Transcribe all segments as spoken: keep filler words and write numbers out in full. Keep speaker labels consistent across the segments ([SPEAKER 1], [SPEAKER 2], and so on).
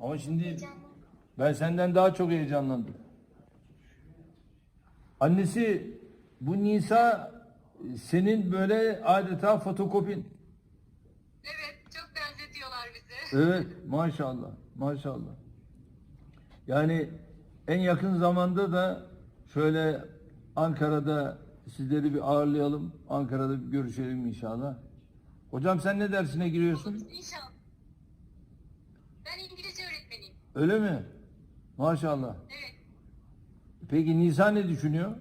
[SPEAKER 1] Ama şimdi
[SPEAKER 2] Heyecanlı.
[SPEAKER 1] ben senden daha çok heyecanlandım. Annesi bu Nisa senin böyle adeta fotokopin.
[SPEAKER 3] Evet, çok benzetiyorlar bizi.
[SPEAKER 1] Evet, maşallah, maşallah. Yani en yakın zamanda da şöyle Ankara'da sizleri bir ağırlayalım. Ankara'da bir görüşelim inşallah. Hocam sen ne dersine giriyorsun?
[SPEAKER 3] İnşallah. Ben İngilizce öğretmeniyim.
[SPEAKER 1] Öyle mi? Maşallah.
[SPEAKER 3] Evet.
[SPEAKER 1] Peki Nisa ne düşünüyor?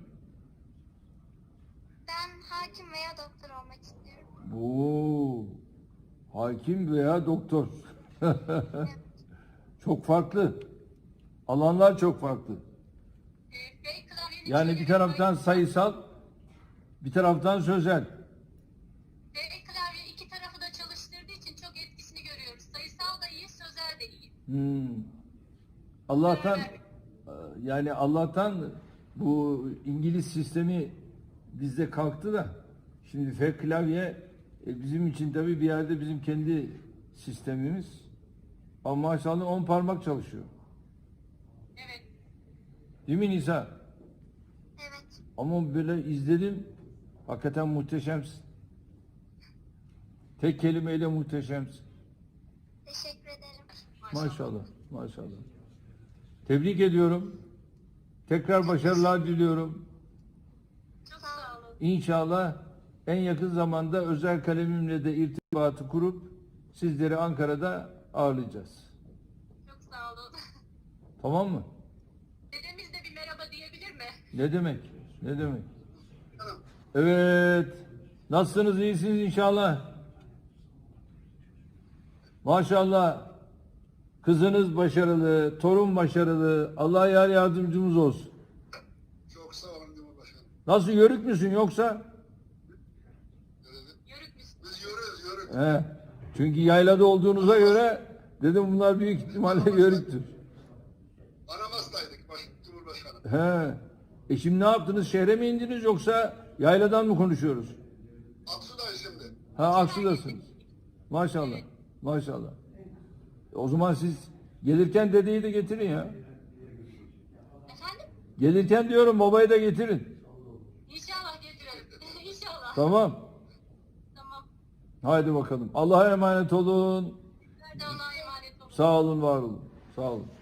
[SPEAKER 2] Ben hakim veya doktor olmak istiyorum.
[SPEAKER 1] Oo, hakim veya doktor. Çok farklı. Alanlar çok farklı.
[SPEAKER 3] Ee, F klavyenin
[SPEAKER 1] Yani
[SPEAKER 3] içinde
[SPEAKER 1] bir taraftan
[SPEAKER 3] bir-
[SPEAKER 1] sayısal, bir taraftan sözel.
[SPEAKER 3] F klavye iki tarafı da çalıştırdığı için çok etkisini görüyoruz. Sayısal da iyi, sözel de iyi.
[SPEAKER 1] Hmm. Allah'tan yani Allah'tan bu İngiliz sistemi bizde kalktı da şimdi F klavye e, bizim için tabii bir yerde bizim kendi sistemimiz. Ama maşallah on parmak çalışıyor.
[SPEAKER 3] Evet.
[SPEAKER 1] Değil mi Nisa?
[SPEAKER 2] Evet.
[SPEAKER 1] Ama böyle izledim. Hakikaten muhteşemsin. Tek kelimeyle muhteşemsin.
[SPEAKER 2] Teşekkür ederim.
[SPEAKER 1] Maşallah. Maşallah. Tebrik ediyorum. Tekrar başarılar diliyorum.
[SPEAKER 3] Çok sağ olun.
[SPEAKER 1] İnşallah en yakın zamanda özel kalemimle de irtibatı kurup sizleri Ankara'da ağırlayacağız.
[SPEAKER 3] Çok sağ olun.
[SPEAKER 1] Tamam mı?
[SPEAKER 3] Dedemiz de bir merhaba diyebilir mi?
[SPEAKER 1] Ne demek? Ne demek? Evet. Nasılsınız? İyisiniz inşallah. Maşallah. Kızınız başarılı, torun başarılı. Allah yar yardımcımız olsun.
[SPEAKER 4] Çok sağ olun Cumhurbaşkanım.
[SPEAKER 1] Nasıl, yörük müsün yoksa?
[SPEAKER 3] Yörük müsün?
[SPEAKER 4] Biz yürüyoruz, yürüyoruz.
[SPEAKER 1] He. Çünkü yaylada olduğunuza göre dedim bunlar büyük ihtimalle yörüktür.
[SPEAKER 4] Aramas'taydık baş, Cumhurbaşkanım.
[SPEAKER 1] He. E şimdi ne yaptınız? Şehre mi indiniz yoksa yayladan mı konuşuyoruz?
[SPEAKER 4] Aksu'dayız şimdi.
[SPEAKER 1] Ha, Aksu'dasınız. Maşallah. Maşallah. E, o zaman siz gelirken dedeyi de getirin ya.
[SPEAKER 3] Efendim?
[SPEAKER 1] Gelirken diyorum babayı da getirin.
[SPEAKER 3] İnşallah getirelim. İnşallah.
[SPEAKER 1] Tamam.
[SPEAKER 3] Tamam.
[SPEAKER 1] Haydi bakalım. Allah'a emanet olun.
[SPEAKER 3] Nerede Allah'a emanet olun.
[SPEAKER 1] Sağ olun, var olun. Sağ olun.